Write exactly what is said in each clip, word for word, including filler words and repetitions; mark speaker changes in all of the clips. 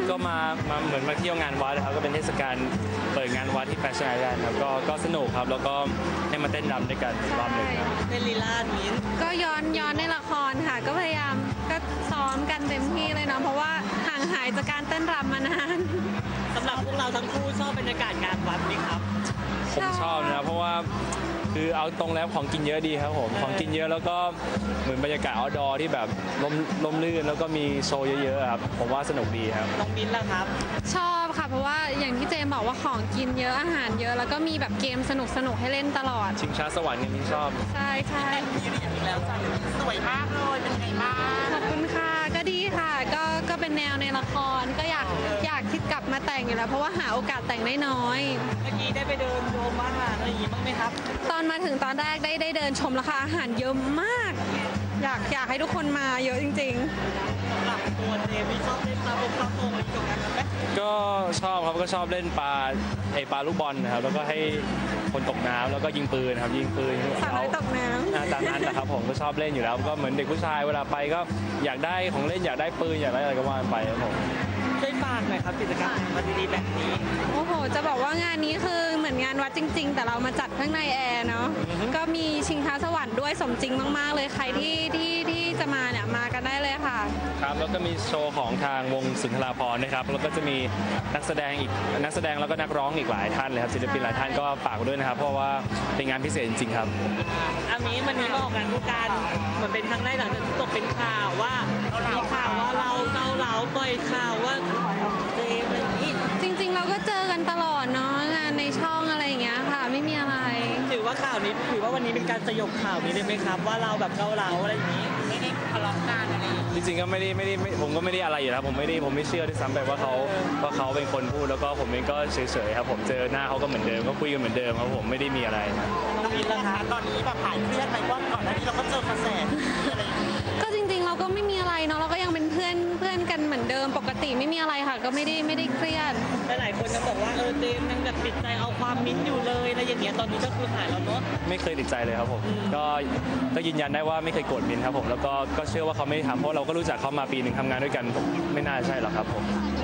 Speaker 1: ก็มามาเหมือนมาเที่ยวงานวัดนะครับก็เป็นเทศกาลเปิดงานวัดที่แฟชั่นไอแลนด์ครับก็ก็สนุกครับแล้วก็ให้มาเต้นรำด้วยกันรอบหนึ่งครับ
Speaker 2: เป็นลีลาดมิ้น
Speaker 3: ก็ย้อนย้อนในละครค่ะ ก็พยายามก็ซ้อมกันเต็มที่เลยเนาะเพราะว่าห่างหายจากการเต้นรำมานาน
Speaker 2: สำหรับพวกเราทั้งคู่ชอบบรรยากาศงานวัดไหมครับ
Speaker 1: ผมชอบนะเพราะว่าคือเอาตรงแล้วของกินเยอะดีครับผมของกินเยอะแล้วก็เหมือนบรรยากาศ outdoor ที่แบบลมลมลื่นแล้วก็มีโชว์เยอะๆครับผมว่าสนุกดีครับ
Speaker 2: น้องมิ้นล่ะครับ
Speaker 3: ชอบค่ะ เพราะว่าอย่างที่เจมบอกว่าของกินเยอะอาหารเยอะ แล้วก็มีแบบเกมสนุกสนุกๆให้เล่นตลอด
Speaker 1: ชิงช้าสวรรค์เนี่ยที่ชอบ
Speaker 3: ใช่ใช่
Speaker 2: มีเรียนอีกแล้วจ้ะสวยมากเลยเป็นไงบ้าง
Speaker 3: ขอบคุณค่ะก็ดีค่ะก็ก็เป็นแนวในละครก็อยากอยากที่กลับมาแต่งอยู่แล้วเพราะว่าหาโอกาสแต่งได้น้อย
Speaker 2: เมื่อกี้ได้ไปเดินชมอาหารอะไรอย่างงี้บ้างไหมครับ
Speaker 3: ตอนมาถึงตอนแรกได้ได้เดินชมราคาอาหารเยอะมาก อยากอยากให้ทุกคนมาเยอะจริง
Speaker 2: สำหรับตัวเจมี่ชอบเล่นปลาบงปลาโป่งอะไรเกี่ยวกับนั้นไหม
Speaker 1: ก็ชอบครับก็ชอบเล่นปลาไอปลาลูกบอลนะครับแล้วก็ให้คนตกน้ำแล้วก็ยิงปืนครับยิงปืน
Speaker 3: ๆสาวน้อยตกน้
Speaker 1: อ่าตามนั้นนะครับผมก็ชอบเล่นอยู่แล้วก็เหมือนเด็กผู้ชายเวลาไปก็อยากได้ของเล่นอยากได้ปืนอยากได้อะไรก็ว่าไปครับผม
Speaker 2: ช่วยฝากหน่อยครับกิจกรรมวันดีๆแบบนี้
Speaker 3: ำโอ้โห จะบอกว่างานนี้คือเหมือนงานวัดจริง ๆ แต่เรามาจัดข้างในแอร์เนาะก็มีชิงช้าสวรรค์ด้วยสมจริงมากๆเลยใครที่ที่ที่จะมาเนี่ยมากันได้เลยค่ะ
Speaker 1: ครับแล้วก็มีโชว์ของทางวงสุนทราภรณ์นะครับแล้วก็จะมีนักแสดงอีกนักแสดงแล้วก็นักร้องอีกหลายท่านเลยครับศิลปินหลายท่านก็ฝากไว้ด้วยนะครับเพราะว่าเป็นงานพิเศษจริงๆครับ
Speaker 2: อามีวันนี้มาออกงานคู่กันเหมือนเป็นครั้งแรกหลังจากที่ตกเป็นข่าวว่ามีข่าวว่าเราเกาเหลาปล่อยข่าวว่าเจมส์อะไรอย่างนี้
Speaker 3: จริงๆ เราก็เจอกันตลอดเนาะงานในช่องอะไรอย่างเงี้ยค่ะ ไม่มีอะไร
Speaker 2: ถือว่าข่าวนี้ถือว่าวันนี้เป็นการสยบข่าวนี้ได้ไหมครับ ว่าเราแบบเกาเหลาอะไรอย่างนี้ไม่ได้ทะเลาะกันอะไรอย่างนี้
Speaker 1: จริงๆก็ไม่ได้ไม่ได้ไม่ผมก็ไม่ได้อะไรอยู่แล้วผมไม่ได้ผมไม่เชื่อด้วยซ้ำไปว่าเขาว่าเขาเป็นคนพูดแล้วก็ผมเองก็เฉยๆครับผมเจอหน้าเขาก็เหมือนเดิมก็คุยกันเหมือนเดิมครับผมไม่ได้มีอะไรครับ
Speaker 2: น้องมินล่ะคะตอนนี้แบบหายเครียดไหมว่าก่อนหน้านี้เราก็เจอกระแสอะไรอย่างนี้
Speaker 3: ก็จริงๆ เราก็ไม่มีอะไรเนาะเราก็ยังเป็นเพื่อนเพื่อนกันเหมือนเดิมปกติไม่มีอะไรค่ะ ก็ไม่ได้ไม่ได้เครียด
Speaker 2: หลายๆคนยังบอกว่าเออเจมส์ยังแบบติดใจเอาความมิ้นท์อยู่เลยอะไรอย่างเงี้ยตอนนี้ก็คือหายแล้วเนาะ
Speaker 1: ไม่เคยติดใจเลยครับผมก็ก็ยืนยันได้ว่าไม่เคยโกรธมินครับผมแล้วก็ก็เชื่อว่าเขาไม่ได้ทำเพราะเราก็รู้จักเขามาปีหนึ่งทำงานด้วยกันผมไม่น่าใช่หรอกครับผม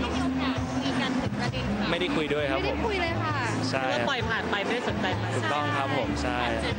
Speaker 1: ไม่ได้คุยด้วยครับ
Speaker 3: ไม่
Speaker 1: ผ
Speaker 3: ได้
Speaker 1: ม
Speaker 3: คุยเลยค่ะ
Speaker 1: ใช่
Speaker 2: ก็ปล่อยผ่านไปไม่ได้สนใจมัน
Speaker 1: ถูกต้องครับผมใช่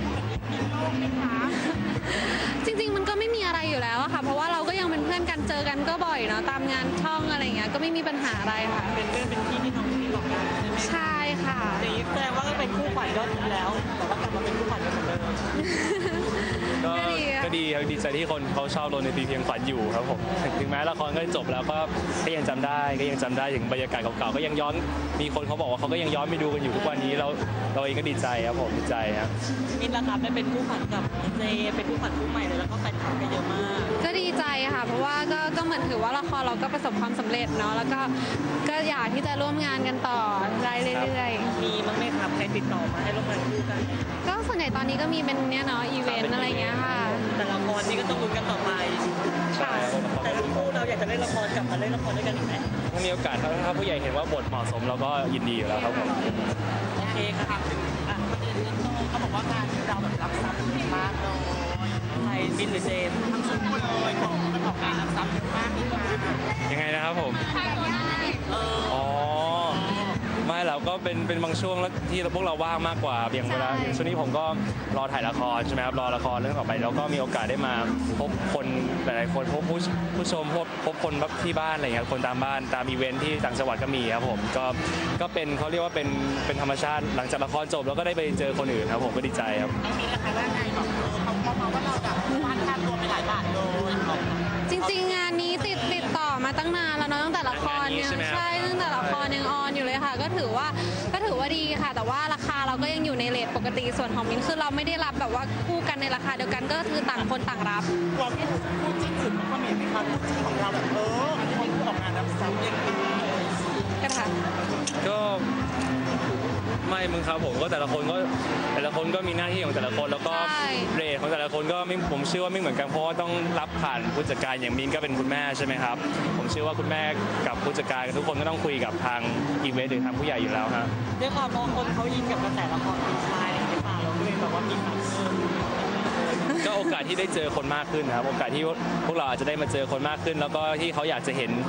Speaker 3: จริงๆ มันก็ไม่มีอะไรอยู่แล้วอะค่ะ เพราะว่าเราก็ยังเป็นเพื่อนกันเจอกันก็บ่อยเนาะตามงานช่องอะไรเงี้ยก็ไม่มีปัญหาอะไรค่ะ
Speaker 2: เป็นเรื่องเป็นที่ที่น้องมินบอกกันใช่ไหม
Speaker 3: ใช่ค่ะ
Speaker 2: อย่างนี้แสดงว่าก็เป็นคู่ขวัญยอดฮิตแล้ว แต่ว่ากลับมาเป็นคู่ขวัญกันเหมือนเดิม
Speaker 1: ก็
Speaker 3: ก็ดีอะ
Speaker 1: ก็ดีครับดีใจที่คนเขาชอบโรนในตีเพียงฝันอยู่ครับผมถึงแม้ละครก็จบแล้วก็ก็ยังจำได้ก็ยังจำได้ถึงบรรยากาศเก่าๆก็ยังย้อนมีคนเขาบอกว่าเขาก็ยังย้อนไปดูกันอยู่ทุกวันนี้เราเราเองก็ดีใจครับผมดีใจครับ
Speaker 2: มินล่ะครับได้เป็นคู่ขวัญกับเจเป็นคู่ขวัญคู่ใหม่เลยแล้วก็แฟนคลับก็เยอะมาก
Speaker 3: ก็ดีใจค่ะ เพราะว่าก็ก็เหมือนถือว่าละครเราก็ประสบความสำเร็จเนาะแล้วก็ก็อยากที่จะร่วมงานกันต่อได้เรื่อยๆ
Speaker 2: มีมั้งไหมครับใครติดต่อมาให้ร่วมงานคู่กัน
Speaker 3: ก็ส่วนใหญ่ตอนนี้ก็มีเป็นเนี่ยเนาะอีเวนต์อะไรเงี้ยค่ะ
Speaker 2: แต่ละครนี่ก็ต้องลุ้นกันต่อไป
Speaker 1: ใช่
Speaker 2: แต่ทั้งคู่เราอยากจะเล่นละครกลับมาเล่นละครด้วยกันอีกไหม
Speaker 1: ถ้ามีโอกาสถ้าถ้าผู้ใหญ่เห็นว่าบทเหมาะสมเราก็ยินดีอยู่แล้วครับผม
Speaker 2: โอเคครับถึงอ่ะประเด็นเงินโตเขาบอกว่างานเราแบบรับทรัพย์เยอะมากเลยใครบินหรือเจมส์ทั้งสองคนเลยของมันออกงานรับทรัพย์เยอะมากเลย
Speaker 1: ยังไงนะครับผม
Speaker 2: เออ
Speaker 1: อ๋อไม่เราก็เป็นเป็นบางช่วงแล้วที่พวกเราว่างมากกว่าอย่างเวลา
Speaker 3: ใช่
Speaker 1: ช่วงนี้ผมก็รอถ่ายละครใช่ไหมครับรอละครเรื่องต่อไปแล้วก็มีโอกาสได้มาพบคนหลายๆคนพบผู้ผู้ชมพบพบคนที่บ้านอะไรอย่างเงี้ยคนตามบ้านตามอีเวนท์ที่ต่างจังหวัดก็มีครับผมก็ก็เป็นเขาเรียกว่าเป็นเป็นธรรมชาติหลังจากละครจบแล้วก็ได้ไปเจอคนอื่นครับผมก็ดีใจครับ
Speaker 2: น้องมิ้นล่ะคะว่าไงบอกเออเขาเขามาว่าเราแบบวาดค่าตัวไปหลายบาทเลยบอก
Speaker 3: จริงๆ งานนี้ติดติดต่อมาตั้งนานแล้วเนาะตั้งแต่ละครยัง
Speaker 1: งานนี้ใช่ไหมครับ
Speaker 3: ใช่ตั้งแต่ละครยังออนอยู่เลยค่ะ ก็ถือว่าก็ถือว่าดีค่ะ แต่ว่าราคาเราก็ยังอยู่ในเรทปกติส่วนของมินคือเราไม่ได้รับแบบว่าคู่กันในราคาเดียวกันก็คือต่างคนต่างรับ
Speaker 2: ความที่คู่จิ้นอื่นมันก็มีไหมครับคู่จิ้นของเราแบบเอออันนี้เขาออกงานรับทรัพย์เยอะมาก
Speaker 3: กันค่ะ
Speaker 1: ก็ไม่มึงครับผมก็แต่ละคนก็แต่ละคนก็มีหน้าที่ของแต่ละคนแล้วก็
Speaker 3: ใช่
Speaker 1: เรทของแต่ละคนก็ไม่ผมเชื่อว่าไม่เหมือนกันเพราะว่าต้องรับผ่านผู้จัดการอย่างมินก็เป็นคุณแม่ใช่ไหมครับผมเชื่อว่าคุณแม่กับผู้จัดการทุกคนก็ต้องคุยกับทางอีเวนต์หรือทางผู้ใหญ่อยู่แล้วฮะ
Speaker 2: ด้วยความบางคนเขายินกับกระแสละครคุณชายอะไรอย่างเงี้ยป่ะเราก็เลยแบบว่ามีความเชื่อ
Speaker 1: ก็โอกาสที่ได้เจอคนมากขึ้นนะครับโอกาสที่พวกเราอาจจะได้มาเจอคนมากขึ้น แล้วก็ที่เขาอยากจะเห็น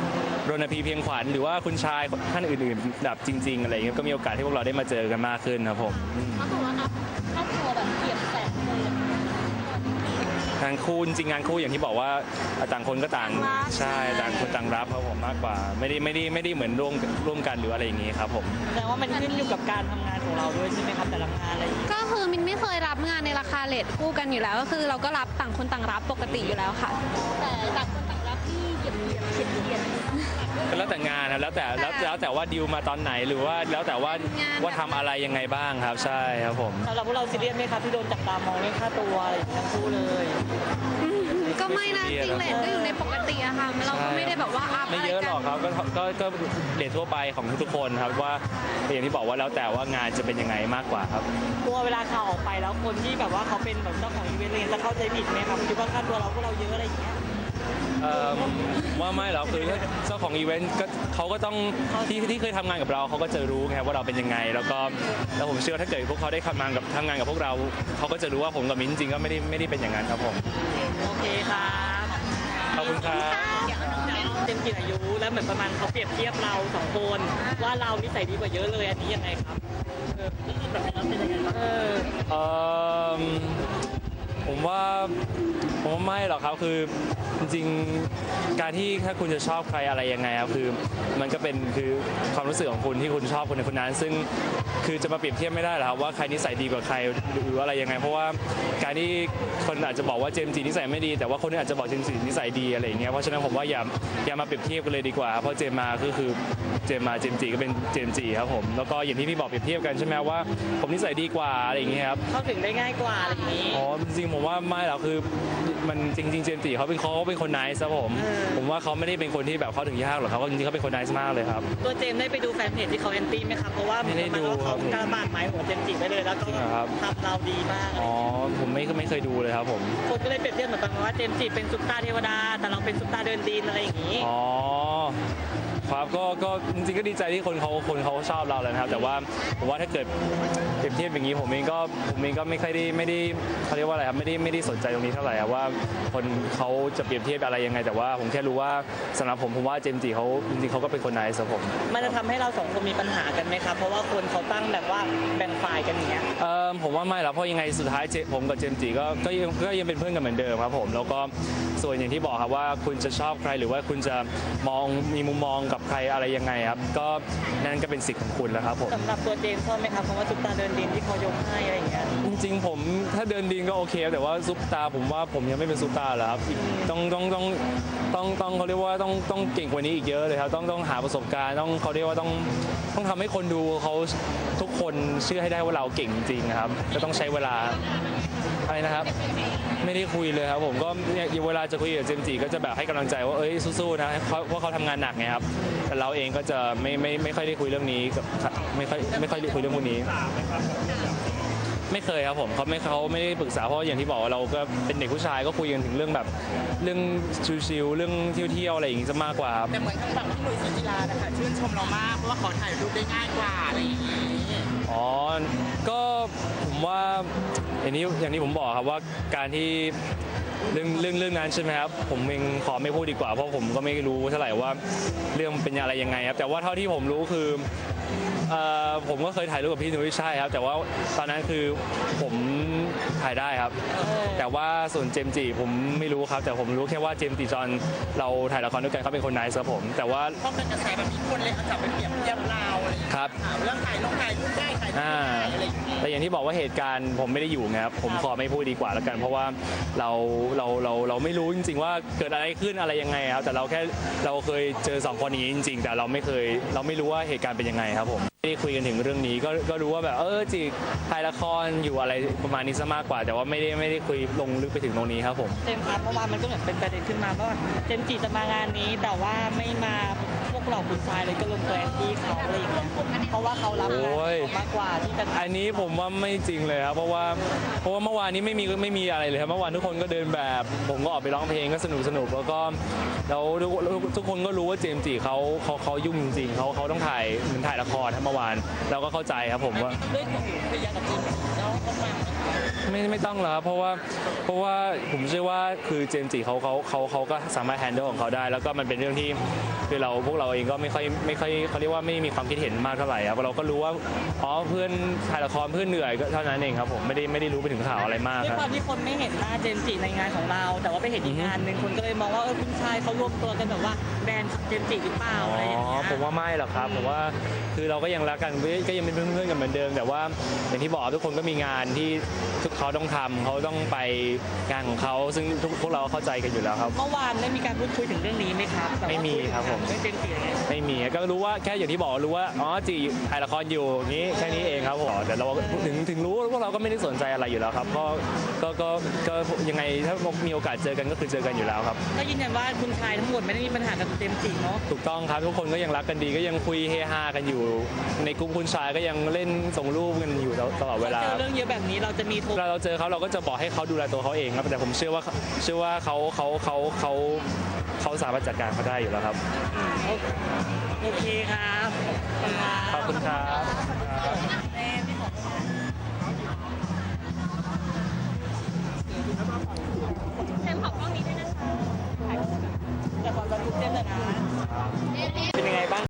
Speaker 1: รณพีเพียงขวัญหรือว่าคุณชายท่านอื่นๆแบบจริงๆอะไรอย่างเงี้ยก็มีโอกาสที่พวกเราได้มาเจอกันมากขึ้นครับผมอืม
Speaker 4: ก็คือว่าอัพครอบครัวแบบเกียบแสนเลย
Speaker 1: งานคู่จริงๆงานคู่อย่างที่บอกว่าต่างคนก็ต่างใช่ต่างคนต่างรับครับผมมากกว่าไม่ได้ไม่ได้ไม่ได้เหมือนร่วมร่วมกันหรืออะไรอย่างงี้ครับผม
Speaker 2: แสดงว่ามันขึ้นอยู่กับการทำงานของเราด้วยใช่ไหมครับแต่ละงานอะไรอย่างเงี้ย
Speaker 3: ก็คือมินไม่เคยรับงานในราคาเลทคู่กันอยู่แล้ว ก็คือเราก็รับต่างคนต่างรับปกติอยู่แล้วค่ะ
Speaker 4: แต่ต่างคนต่างรับที่เหยียบเหยียบเฉียดเฉียด
Speaker 1: ก็แล้วแต่งานครับแล้วแต่แล้วแล้วแต่ว่าดีลมาตอนไหนหรือว่าแล้วแต่ว่าง
Speaker 3: าน
Speaker 1: ว่าทำอะไรยังไงบ้างครับใช่ครับผม
Speaker 2: สำหรับพวกเราซีเรียสไหมครับที่โดนจับตามองเรื่องค่าตัวอะไรอย่างเงี้ยทั้งคู่เลย
Speaker 3: อืมก็ไม่นะจริงเลทก็อยู่ในปกติอะค่ะเราก็ไม่ได้แบบว่าอัพ
Speaker 1: ไม่
Speaker 3: อะไร
Speaker 1: เยอะหร
Speaker 3: กั
Speaker 1: อกครับก็ก็ก็เรททั่วไปของทุกๆคนครับว่าอย่างที่บอกว่าแล้วแต่ว่างานจะเป็นยังไงมากกว่าครับ
Speaker 2: กลัวเวลาข่าวออกไปแล้วคนที่แบบว่าเขาเป็นแบบเจ้าของอีเวนต์อะไรเงี้ยจะเข้าใจผิดไหมครับคิดว่าค่าตัวเราพวกเราเยอะอะไรอย่างเงี้ย
Speaker 1: เอิ่มว่าไม่หรอกคือถ้าเจ้าของอีเวนต์ก็เขาก็ต้องที่ที่เคยทำงานกับเราเขาก็จะรู้ไงว่าเราเป็นยังไง แล้วก็แล้วผมเชื่อว่าถ้าเกิดพวกเขาได้ทำงานกับทำงานกับพวกเราเขาก็จะรู้ว่าผมกับมิ้นจริงๆก็ไม่ได้ไม่ได้เป็นอย่างนั้นครับผม
Speaker 2: โอเคครับ
Speaker 1: ขอบคุณครับ
Speaker 2: เจมส์กินอายุแล้วเหมือนประมาณเขาเปรียบเทียบเราสองคนว่าเรานิสัยดีกว่าเยอะเลยอันนี้ยังไงครับเออแบบนี้เป็นยังไงบ้างเออ
Speaker 1: เอิ่มผมว่าผมว่าไม่หรอกครับคือจริงๆการที่ถ้าคุณจะชอบใครอะไรยังไงครับคือมันก็เป็นคือความรู้สึกของคุณที่คุณชอบคนในคนนั้น ซึ่งคือจะมาเปรียบเทียบไม่ได้หรอกครับว่าใครนิสัยดีกว่าใครหรืออะไรยังไง เพราะว่าการที่คนอาจจะบอกว่าเจมส์จีนิสัยไม่ดีแต่ว่าคนนึงอาจจะบอกเจมส์จีนิสัยดีอะไรอย่างเงี้ยเพราะฉะนั้นผมว่าอย่าอย่ามาเปรียบเทียบกันเลยดีกว่าเพราะเจมมาก็คือเจมมาเจมส์จีก็เป็นเจมส์จีครับผมแล้วก็อย่างที่พี่บอกเปรียบเทียบกันใช่ไหมว่าผมนิสัยดีกว่าอะไรอย่างเงี้ยครับ
Speaker 2: เข้าถึงได้ง่ายกว่าอะไรอย่างนี้
Speaker 1: อ๋อจริงๆผมว่าไม่หรอกคือมันจริงๆเจมส์จีเขาเป็นเขาเป็นคนไนซ์ครับผม
Speaker 2: เออ
Speaker 1: ผมว่าเขาไม่ได้เป็นคนที่แบบเข้าถึงยากหรอกเขาก็จริงๆเขาเป็นคนไนซ์มากเลยครับ
Speaker 2: ตัวเจมส์ได้ไปดูแฟนเพจที่เขาแอนตี้ไหมครับเพราะว่า
Speaker 1: ไม่ได้ดู
Speaker 2: ประาณว่า
Speaker 1: ครั
Speaker 2: เขา
Speaker 1: บ
Speaker 2: กระบาดหมายหัวเจมส์จิไปเลยแล้วก็
Speaker 1: จริงเหรอครับ
Speaker 2: ทำเราดีมาก
Speaker 1: อ๋อผมไม่ไม่เคยดูเลยครับผม
Speaker 2: คนก็เลยเปรียบเทียบเหมือนกันว่าเจมส์จิเป็นซุปตาร์เทวดาแต่เราเป็นซุปตาร์เดินดินอะไรอย่างนี้
Speaker 1: อ๋อครับก็ก็จริงๆก็ดีใจที่คนเขาคนเขาชอบเราแล้วนะครับ แต่ว่าผมว่าถ้าเกิดเปรียบเทียบอย่างนี้ผมเองก็ผมเองก็ไม่ค่อยได้ไม่ได้เขาเรียกว่าอะไรครับไม่ได้ไม่ได้สนใจตรงนี้เท่าไหร่ครับว่าคนเขาจะเปรียบเทียบอะไรยังไง แต่ว่าผมแค่รู้ว่าสำหรับผมผมว่าเจมส์จีเขาจริงๆเขาก็เป็นคนไนซ์ครับผม
Speaker 2: มันจะทำให้เราสองคนมีปัญหากันไหมครับ เพราะว่าคนเขาตั้งแบบว่าแบ่งฝ่ายกันอย่างเงี้ย
Speaker 1: เออผมว่าไม่หรอกเพราะยังไงสุดท้ายเจผมกับเจมส์จีก็ก็ยังก็ยังเป็นเพื่อนกันเหมือนเดิมครับผมแล้วก็ส่วนอย่างที่บอกครับว่าคุณจะชอบใครหรือว่าคุณจะมองมีมุมมองกับใครอะไรยังไงครับก็นั่นก็เป็นสิทธิ์ของคุณแล้วครับผม
Speaker 2: สำหรับตัวเจมส์ชอบไหมครับเพราะว่าซุปตาร์เดินดินที่เขายกให้อะไรอย่างเงี้ย
Speaker 1: จริงๆผมถ้าเดินดินก็โอเคแต่ว่าซุปตาร์ผมว่าผมยังไม่เป็นซุปตาร์หรอกครับอีกต้องต้องต้องต้องต้องเขาเรียกว่าต้องต้องเก่งกว่านี้อีกเยอะเลยครับต้องต้องหาประสบการณ์ต้องเขาเรียกว่าต้องต้องทำให้คนดูเขาทุกคนเชื่อให้ได้ว่าเราเก่งจริงๆนะครับก็ต้องใช้เวลาอะไรนะครับ ไม่ได้คุยเลยครับผมก็เนี่ยเวลาจะคุยกับเจมส์จีก็จะแบบให้กำลังใจว่าเอ้ยสู้ๆนะเขาเพราะเขาทำงานหนักไงครับแต่เราเองก็จะไม่ไม่ไม่ค่อยได้คุยเรื่องนี้กับไม่ค่อยไม่ค่อยได้คุยเรื่องพวกนี้ ไม่เคยครับผมเขาไม่เขาไม่ได้ปรึกษาเพราะอย่างที่บอกว่าเราก็เป็นเด็กผู้ชายก็คุยกันถึงเรื่องแบบเรื่องชิลๆเรื่องเที่ยวๆอะไรอย่างงี้จะมากกว่าครับ
Speaker 2: แต่เหมือนทางฝั่งพี่หนุ่ยสุจิรานะคะชื่นชมเรามากเพราะว่าขอถ่ายรูปได้ง่ายกว่าอะไรอย่างนี้
Speaker 1: อ๋อก็ผมว่าอย่างนี้อย่างที่ผมบอกครับว่าการที่เรื่องเรื่องเรื่องนั้นใช่ไหมครับผมเองขอไม่พูดดีกว่าเพราะผมก็ไม่รู้เท่าไหร่ว่าเรื่องเป็นอะไรยังไงครับแต่ว่าเท่าที่ผมรู้คือเอ่อผมก็เคยถ่ายรูปกับพี่นุ้ยใช่ครับแต่ว่าตอนนั้นคือผมถ่ายได้ครับ แต่ว่าส่วนเจมส์จีผมไม่รู้ครับ แต่ผมรู้แค่ว่าเจมส์จีจอนเราถ่ายละครด้วยกันเขาเป็นคนไนซ์ครับผมแต่ว่า
Speaker 2: เพราะเป็นกระแสแบบมีคนเลยเอาจับไปเปรียบเทียบเราอะไรอย่างเงี้ย
Speaker 1: ครับ
Speaker 2: ถามเรื่องถ่ายรูปถ่ายรูปได้ถ่ายรูป
Speaker 1: อ่า
Speaker 2: ได้อะไรอย่างเงี้ย
Speaker 1: แต่อย่างที่บอกว่าเหตุการณ์ผมไม่ได้อยู่ไงครับผมขอไม่พูดดีกว่าแล้วกัน เพราะว่าเราเราเราเราไม่รู้จริง ๆ ว่าเกิดอะไรขึ้นอะไรยังไงครับแต่เราแค่เราเคยเจอสองคนนี้จริง ๆ แต่เราไม่เคยเราไม่รู้ว่าเหตุการณ์เป็นยังไงครับผมไม่ได้คุยกันถึงเรื่องนี้ก็ก็รู้ว่าแบบเออจีถ่ายละครอยู่อะไรประมาณนี้ซะมากกว่า แต่ว่าไม่ได้ไม่ได้คุยลงลึกไปถึงตรงนี้ครับผม
Speaker 2: เจมส์ครับเมื่อวานมันก็เหมือนเป็นประเด็นขึ้นมาว่าเจมส์จีจะมางานนี้แต่ว่าไม่มาพวกเราคุณชายเลยก็ลงตัวแอนตี้เขาอะไรอย่างเงี้ยเพราะว่าเขารับงาน
Speaker 1: โอ้ย
Speaker 2: มากกว่าที่จะ
Speaker 1: อันนี้ผมว่าไม่จริงเลยครับเพราะว่าเพราะว่าเมื่อวานนี้ไม่มีไม่มีอะไรเลยครับเมื่อวานทุกคนก็เดินแบบ ผมก็ออกไปร้องเพลงก็สนุกสนุกแล้วก็แล้วทุกทุกคนก็รู้ว่าเจมส์จีเขาเขาเขายุ่งจริงๆเขาเขาต้องถ่ายเหมือนถ่ายละครครับเมื่อวานเราก็เข้าใจครับผมว่า
Speaker 2: ด้วยตัวเคลียร์กับจีนแล้วเขามา
Speaker 1: ไม่ไม่ต้องแล้วครับเพราะว่าเพราะว่าผมเชื่อว่าคือเจมส์จีเขาเขาเขาเขาก็สามารถแฮนเดิลของเขาได้ แล้วก็มันเป็นเรื่องที่คือเราพวกเราเองก็ไม่ค่อยไม่ค่อยเขาเรียกว่าไม่มีความคิดเห็นมากเท่าไหร่ครับเราก็รู้ว่าอ๋อเพื่อนถ่ายละครเพื่อนเหนื่อยก็เท่านั้นเองครับผมไม่ได้ไม่ได้รู้ไปถึงข่าวอะไรมาก
Speaker 2: ด้วย
Speaker 1: ครับ
Speaker 2: ความที่คนไม่เห็นหน้าเจมส์จีในงานของเรา แต่ว่าไปเห็นอีกงานหนึ่งคนก็เลยมองว่าเออคุณชายเขารวมตัวกันแบบว่าแบรนด์เจมส์จีหรือเปล่า
Speaker 1: อ๋
Speaker 2: อะไรอย่าง
Speaker 1: อ
Speaker 2: เงี้ย
Speaker 1: ผมว่าไม่หรอกครับผมว่าคือเราก็ยังรักกันก็ยังเป็นเพื่อนๆกันเหมือนเดิม แต่ว่าอย่างที่บอกทุกคนก็มีงานที่ทุกเขาต้องทำเขาต้องไปงานของเขาซึ่งทุกพวกเราเข้าใจกันอยู่แล้วครับ
Speaker 2: เมื่อวานได้มีการพูดคุยถึงเรื่องนี้ไหมครับแบบว่า
Speaker 1: ไม่มีครับผม
Speaker 2: เรื่องเจมส์จีอะไรเงี้ย
Speaker 1: ไม่มีก็รู้ว่าแค่อย่างที่บอกรู้ว่าอ๋อจีถ่ายละครอยู่อย่างนี้แค่นี้เองครับผมแต่เราถึงถึงรู้ว่าพวกเราก็ไม่ได้สนใจอะไรอยู่แล้วครับก็ก็ก็ก็ยังไงถ้ามีโอกาสเจอกันก็คือเจอกันอยู่แล้วครับ
Speaker 2: ก็ยืนยันว่าคุณชายทั้งหมดไม่ได้มีปัญหากับเจมส์จีเนาะ
Speaker 1: ถูกต้องครับทุกคนก็ยังรักกันดีก็ยังคุยเฮฮากันอยู่ ในกลุ่มคุณชายก็ยังเล่นส่งรูปกันอยู่ตลอดเวลา
Speaker 2: เจอเรื่องเยอะแบบนี้เราจะมีโทร
Speaker 1: เวลาเราเจอเขาเราก็จะบอกให้เขาดูแลตัวเขาเองครับแต่ผมเชื่อว่าเชื่อว่าเขาเขาเขาเขาเขาสามารถจัดการเขาได้อยู่แล้วครับ
Speaker 2: โอเคครับขอบคุณครับ
Speaker 1: ขอบคุณครับ
Speaker 2: เต้พี่ขอ
Speaker 4: เต็มขอบกล้องนี้ด้วยนะคะ
Speaker 2: แต่ความรักทุกเจนเลยนะเป็นยังไงบ้าง